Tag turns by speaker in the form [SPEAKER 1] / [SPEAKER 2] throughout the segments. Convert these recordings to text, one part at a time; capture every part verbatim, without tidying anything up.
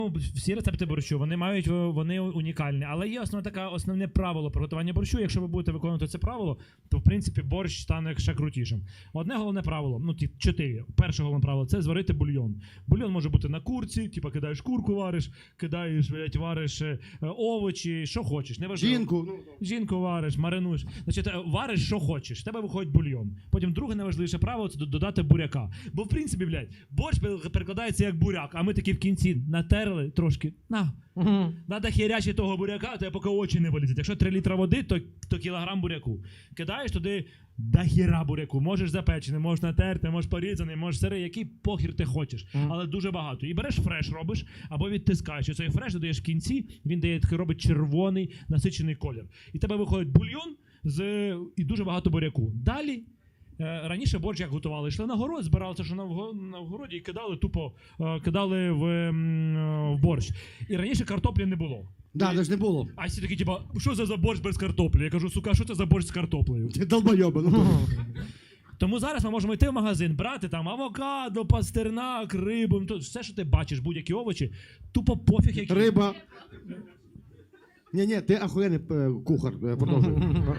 [SPEAKER 1] Всі рецепти борщу, вони мають, вони унікальні, але є основне таке основне правило приготування борщу. Якщо ви будете виконувати це правило, то в принципі борщ стане ще крутішим. Одне головне правило, ну ті чотири. Перше головне правило – це зварити бульйон. Бульйон може бути на курці, типа кидаєш курку, вариш, кидаєш, блядь, вариш е, овочі, що хочеш, не важливо.
[SPEAKER 2] Жінку.
[SPEAKER 1] Жінку вариш, маринуєш. Значить, вариш, що хочеш, в тебе виходить бульйон. Потім друге найважливіше правило – це додати буряка. Бо в принципі, блядь, борщ перекладається як буряк, а ми такі в кінці натерли трошки. На. Угу. Надо хірячити того буряка, то я поки очі не вилізуть. Якщо три літра води, то, то кілограм буряку. Кидаєш туди до хіра буряку. Можеш запечений, можеш натерти, можеш порізаний, можеш сирий, який похір ти хочеш. Угу. Але дуже багато. І береш фреш робиш, або відтискаєш. І цей фреш додаєш в кінці, він дає такий, робить червоний насичений колір. І тебе виходить бульйон з, і дуже багато буряку. Далі раніше борщ як готували, йшли на город, збирали це, що на, на городі, і кидали тупо, кидали в, в борщ. І раніше картоплі не було.
[SPEAKER 2] Да, це ж не було.
[SPEAKER 1] А всі такі, типа, що це за борщ без картоплі? Я кажу, сука, що це за борщ з картоплею?
[SPEAKER 2] Ти долбойоба, ну.
[SPEAKER 1] Тому зараз ми можемо йти в магазин, брати там авокадо, пастернак, рибу, то все, що ти бачиш, будь-які овочі, тупо пофіг, які...
[SPEAKER 2] Риба. Ні-ні, ти ахуєнний кухар, продовжуй.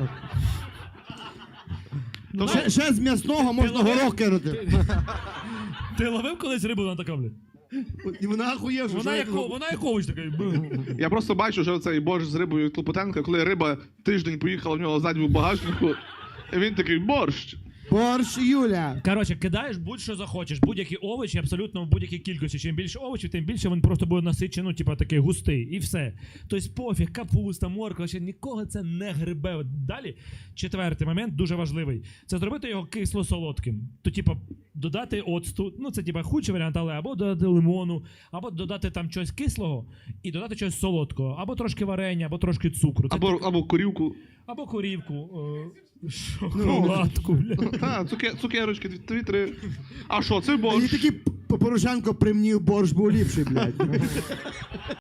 [SPEAKER 2] Ну, ще, ще з м'ясного можна горох кинути.
[SPEAKER 1] Ти, ти ловив колись рибу на така, блядь?
[SPEAKER 2] І вона ахуєвша.
[SPEAKER 1] Вона, як, вона як овоч такий.
[SPEAKER 3] Я просто бачу, що цей борщ з рибою від Клопотенка, коли риба тиждень поїхала в нього ззаді в багажнику, і він такий, борщ.
[SPEAKER 2] Борщ, Юля.
[SPEAKER 1] Коротше, кидаєш будь-що захочеш, будь-які овочі, абсолютно в будь-якій кількості. Чим більше овочів, тим більше він просто буде насичений, ну, типа такий густий, і все. Тобто пофіг, капуста, морква, ще нікого це не грибе. Далі, четвертий момент, дуже важливий, це зробити його кисло-солодким. То, типа, додати оцту, ну, це, типа, худший варіант, але або додати лимону, або додати там щось кислого і додати щось солодкого, або трошки варення, або трошки цукру. Це
[SPEAKER 3] Або,
[SPEAKER 1] так...
[SPEAKER 3] або корівку.
[SPEAKER 1] Або корівку. Шоколадку, бля.
[SPEAKER 3] Так, цуке, цукерочки, дві-три. А що, це борщ?
[SPEAKER 2] І такий Порошенко примнів борщ був ліпший, блядь.